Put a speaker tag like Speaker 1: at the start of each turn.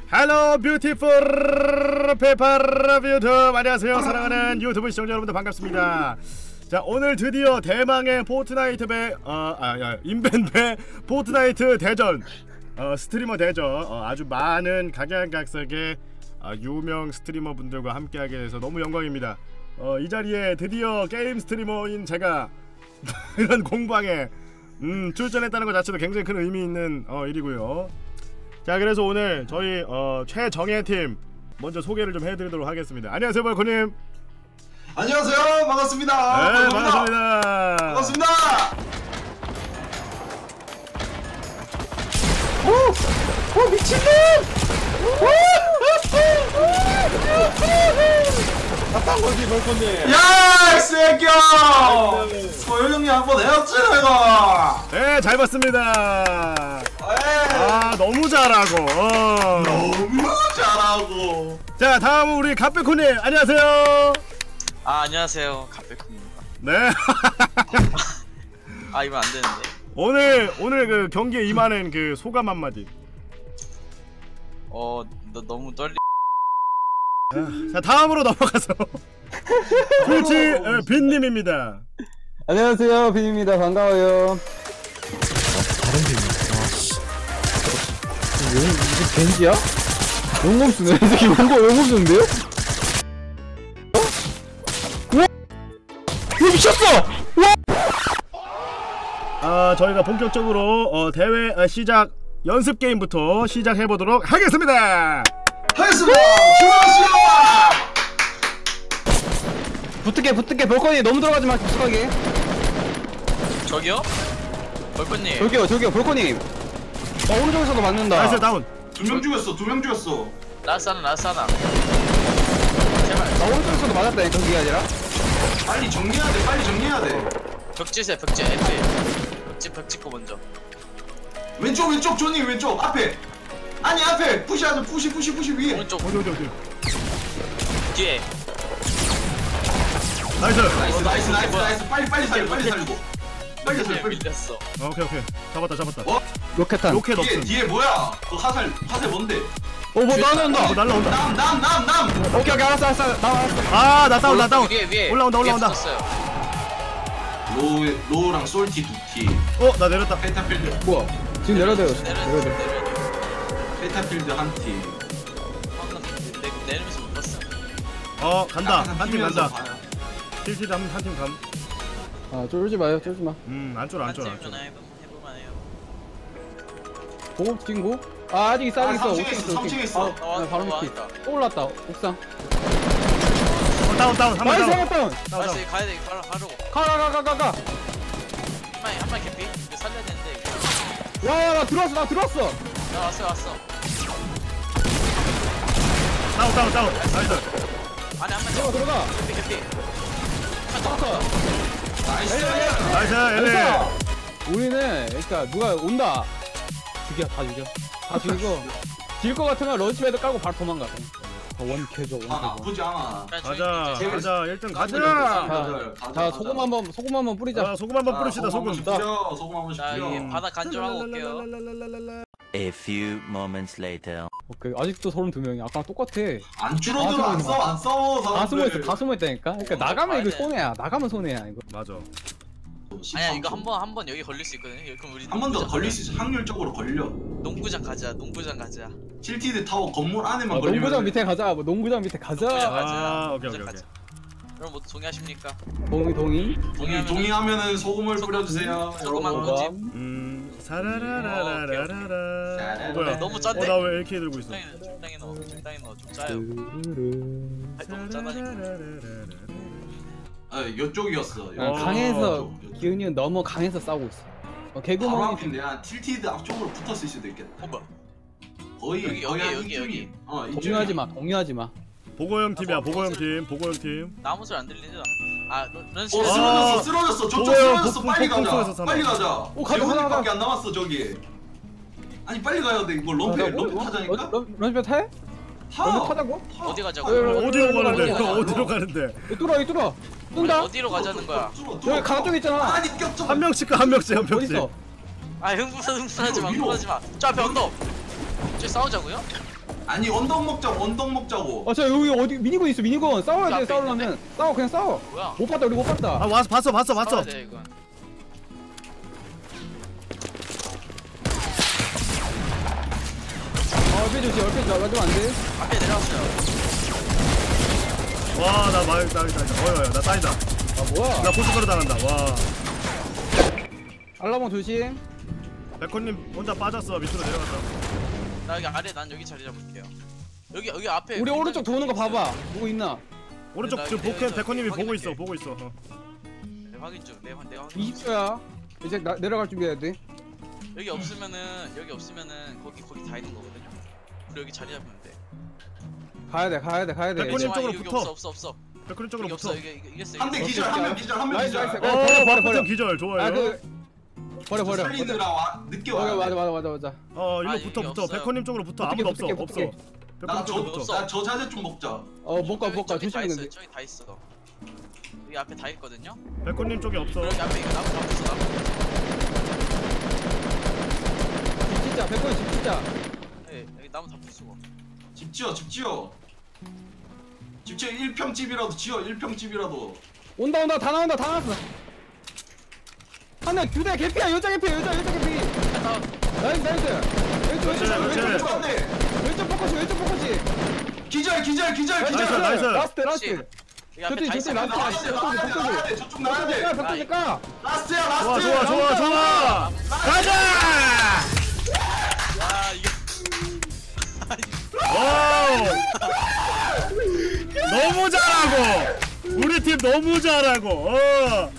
Speaker 1: 헬로 뷰티풀 페퍼 뷰튜브 안녕하세요. 사랑하는 유튜브 시청자 여러분들 반갑습니다. 자, 오늘 드디어 대망의 포트나이트 인벤배 포트나이트 대전 스트리머 대전 아주 많은 각양각색의 유명 스트리머 분들과 함께하게 돼서 너무 영광입니다. 이 자리에 드디어 게임 스트리머인 제가 이런 공방에 출전했다는 것 자체도 굉장히 큰 의미 있는 일이고요. 자, 그래서 오늘 저희 최정예팀 먼저 소개를 좀 해드리도록 하겠습니다. 안녕하세요, 벌코님.
Speaker 2: 안녕하세요, 반갑습니다.
Speaker 1: 네, 반갑습니다.
Speaker 2: 반갑습니다.
Speaker 3: 오 미친놈! 아딴 거지 벌건데.
Speaker 2: 야, 이 새끼야! 소율 형님 한번 해왔지 내가.
Speaker 1: 네, 잘 봤습니다. 아, 너무 잘하고.
Speaker 2: 너무 잘하고.
Speaker 1: 자, 다음은 우리 갓백호님. 안녕하세요.
Speaker 4: 아, 안녕하세요, 갓백홈입니다.
Speaker 1: 네.
Speaker 4: 아, 이거 안 되는데.
Speaker 1: 오늘 그 경기에 임하는 그 소감 한마디.
Speaker 4: 너무 떨리.
Speaker 1: 자, 다음으로 넘어가서 트위치 빈님입니다.
Speaker 3: 안녕하세요, 빈입니다. 반가워요.
Speaker 5: 다른 데 있네.
Speaker 3: 이게 겐지야? 용검 쓰네. 이 새끼 용검 쓰는데요? 우와! 이거 미쳤어! 우와!
Speaker 1: 저희가 본격적으로 대회 시작 연습 게임부터 시작해 보도록 하겠습니다.
Speaker 2: 하겠습니다. 출발하시오.
Speaker 3: 붙을게. 볼거니 너무 들어가지 마. 깊숙하게.
Speaker 4: 저기요? 벌건님.
Speaker 3: 저기요, 볼거니. 오른쪽에서도 맞는다.
Speaker 1: 나이스 다운.
Speaker 2: 두 명 죽였어.
Speaker 4: 라사나. 제발.
Speaker 3: 오른쪽에서도 맞았다니까, 그게 아니라.
Speaker 2: 빨리 정리해야 돼.
Speaker 4: 벽지세, 벽지. F. 벽 찍고 먼저.
Speaker 2: 왼쪽, 조니 왼쪽 앞에. 아니 앞에 푸시하자. 푸시 위에.
Speaker 4: 오른쪽.
Speaker 1: 어디.
Speaker 4: 뒤에.
Speaker 1: 나이스.
Speaker 2: 나이스. 빨리 살리고. 빨리.
Speaker 4: 밀렸어.
Speaker 1: 오케이. 잡았다.
Speaker 3: 로켓탄.
Speaker 1: 로켓 없음.
Speaker 2: 뒤에 뭐야? 그 화살 뭔데?
Speaker 3: 뭐 날라온다.
Speaker 1: 날라온다.
Speaker 2: 남.
Speaker 3: 오케이, 알았어. 나왔어.
Speaker 1: 나 다운.
Speaker 4: 위에.
Speaker 1: 올라온다.
Speaker 4: 위에 붙었어요.
Speaker 2: 로우랑 솔티 두티.
Speaker 1: 나 내렸다.
Speaker 2: 페타필드.
Speaker 3: 뭐야? 지금 내려대요.
Speaker 2: 페타필드 한 팀.
Speaker 4: 내리면서 못 봤어.
Speaker 1: 간다. 한 팀 간다. 딜티드 한팀 감.
Speaker 3: 쫄지 마.
Speaker 1: 안 쫄아.
Speaker 4: 해볼만 해요.
Speaker 3: 보급 친구? 아직 있어.
Speaker 2: 3층에 있어.
Speaker 3: 바로 밑에. 또 올랐다. 옥상.
Speaker 1: 다운. 한번
Speaker 3: 나이스,
Speaker 1: 다운.
Speaker 4: 다시 가야 돼. 바로.
Speaker 3: 가.
Speaker 4: 한마리 개피. 이거 살려야 되는데.
Speaker 3: 와, 나 들어왔어.
Speaker 4: 나 왔어.
Speaker 1: 다운. 나이스.
Speaker 4: 안에 한마리
Speaker 3: 들어가.
Speaker 4: 개피.
Speaker 2: 나이스.
Speaker 1: 엘레.
Speaker 3: 우리는 그러니까 누가 온다. 다 죽이고 질 것 같으면 런치패드 깔고 바로 도망가. 원캐죠.
Speaker 2: 나쁘지 않아.
Speaker 1: 가자. 1등 가자.
Speaker 3: 자, 소금 한번 뿌리자.
Speaker 1: 소금 한번 뿌립시다. 소금.
Speaker 2: 소금 한번
Speaker 4: 자, 이게 바닥 간절하고 올게요.
Speaker 6: A few moments later.
Speaker 3: 오케이, 아직도 32명이 아까랑 똑같아.
Speaker 2: 안 줄어들어. 안 싸워.
Speaker 3: 다 숨어있다니까. 그러니까 나가면 이거 손해야. 이거.
Speaker 1: 맞아.
Speaker 4: 아니야, 이거 한번 여기 걸릴 수 있거든요. 그럼 우리
Speaker 2: 한 번 더 걸릴 수 있어. 확률적으로 걸려.
Speaker 4: 농구장 가자.
Speaker 2: 틸티드 타워 건물 안에만 걸리면.
Speaker 3: 농구장 밑에 가자.
Speaker 1: 오케이.
Speaker 4: 그럼 뭐 동의하십니까?
Speaker 3: 동의.
Speaker 2: 동의하면은 소금을 뿌려주세요.
Speaker 4: 소금 한
Speaker 2: 여러분.
Speaker 4: 꼬집.
Speaker 1: 사라라라라라라. 뭐야?
Speaker 4: 너무 짠데?
Speaker 1: 나 왜 LK 들고 있어?
Speaker 4: 적당히 넣어. 좀 짜요. 너무 짜다니까.
Speaker 2: 이쪽이었어.
Speaker 3: 강에서 기운이 너무 강해서 싸우고 있어.
Speaker 2: 바로
Speaker 3: 개구멍이
Speaker 2: 앞인데 틸티드 앞쪽으로 붙었을 수도 있겠다.
Speaker 4: 뭐야?
Speaker 2: 거의
Speaker 4: 여기.
Speaker 3: 동의하지 마.
Speaker 1: 보고형 팀이야. 보고형 팀.
Speaker 4: 나 아무 소리 안 들리죠? 런치.
Speaker 2: 쓰러졌어. 저쪽
Speaker 1: 뭐야,
Speaker 2: 쓰러졌어. 빨리
Speaker 1: 폭풍소에서
Speaker 2: 가자. 빨리 가자.
Speaker 3: 가자.
Speaker 2: 재훈이밖에 안 남았어 저기. 아니 빨리 가야 돼. 이거 럼페 타자니까.
Speaker 3: 런치패드 타? 런치 타자고?
Speaker 4: 어디 가자고?
Speaker 1: 어디로 가는데?
Speaker 3: 뚫어. 뜬다.
Speaker 4: 어디로 가자는 거야?
Speaker 3: 여기 강 쪽에 있잖아.
Speaker 2: 아니 격정.
Speaker 1: 한 명씩 가.
Speaker 3: 어딨어?
Speaker 4: 흥분하지 마. 저 앞에 언덕. 쟤 싸우자고요?
Speaker 2: 아니 언덕 먹자고 언덕 먹자고.
Speaker 3: 저 여기 어디 미니건 있어 미니건 싸워야 돼
Speaker 4: 앞에
Speaker 3: 싸우려면 싸워 그냥 싸워.
Speaker 4: 뭐야?
Speaker 3: 못 봤다 우리 못 봤다.
Speaker 1: 아 와서 봤어.
Speaker 4: 싸워야 돼 이건.
Speaker 3: 얼핏 조심 얼핏 맞으면 안 돼.
Speaker 4: 앞에 내려왔어요.
Speaker 1: 와나 어여여 나 따이다.
Speaker 3: 아 뭐야?
Speaker 1: 나 고춧가루 당한다. 와
Speaker 3: 알라봉 조심.
Speaker 1: 백호님 혼자 빠졌어. 밑으로 내려갔다.
Speaker 4: 나 여기 아래 난 여기 자리 잡을게요. 여기 앞에.
Speaker 3: 우리 오른쪽 도는 거 봐봐. 누구 있나?
Speaker 1: 오른쪽
Speaker 4: 나
Speaker 1: 지금
Speaker 4: 여기
Speaker 1: 복현
Speaker 4: 내가
Speaker 1: 백호님이 보고
Speaker 4: 확인할게.
Speaker 1: 있어. 보고 있어.
Speaker 4: 네, 확인 중. 내가 확인.
Speaker 3: 20초야. 이제 내려갈 준비해야 돼.
Speaker 4: 여기 없으면은 거기 다 있는 거거든요. 우리 여기 자리 잡으면 돼.
Speaker 3: 가야 돼.
Speaker 1: 백호님
Speaker 4: 아,
Speaker 1: 쪽으로
Speaker 4: 여기
Speaker 1: 붙어.
Speaker 4: 없어.
Speaker 1: 백호님 쪽으로
Speaker 4: 여기
Speaker 1: 붙어.
Speaker 4: 없어. 이겼어.
Speaker 2: 한 대 기절 한 명 기절 한 명
Speaker 3: 나이스,
Speaker 2: 기절.
Speaker 3: 나이스. 버려.
Speaker 1: 백호님 기절 좋아요.
Speaker 3: 버려.
Speaker 2: 살리느라 늦게 와.
Speaker 3: 맞아.
Speaker 1: 이거
Speaker 4: 아,
Speaker 1: 붙어.
Speaker 4: 이게 없어요.
Speaker 1: 백호님 쪽으로 붙어.
Speaker 3: 어떻게,
Speaker 1: 아무도 없어.
Speaker 3: 어떻게,
Speaker 1: 없어.
Speaker 3: 어떻게.
Speaker 1: 백호님 쪽으로 붙어.
Speaker 2: 나저 자세 좀 먹자.
Speaker 3: 못 가.
Speaker 4: 저기 다
Speaker 3: 조심해.
Speaker 4: 있어. 저기 다 있어. 여기 앞에 다 있거든요.
Speaker 1: 백호님 쪽에 없어.
Speaker 4: 여기 앞에 이거 나무 다 부숴 나무.
Speaker 3: 집 진짜 100번 집 진짜.
Speaker 4: 네, 여기 나무 다 부수고.
Speaker 2: 집 지어 1평 집이라도 지어 1평 집이라도.
Speaker 3: 온다 다 나왔어. 하나 두대 개피야 여자 개피. 나이스.
Speaker 1: 그렇지.
Speaker 3: 왼쪽 포커시.
Speaker 2: 기절.
Speaker 1: 나이스.
Speaker 3: 라스트.
Speaker 4: 여기 앞에 다 있어.
Speaker 3: 저쪽에
Speaker 2: 나가야 돼. 저쪽 나가야 돼.
Speaker 3: 벽돌 까.
Speaker 2: 라스트야
Speaker 1: 좋아. 가자.
Speaker 4: 아 이게
Speaker 1: 와우. 너무 잘하고. 우리 팀 너무 잘하고.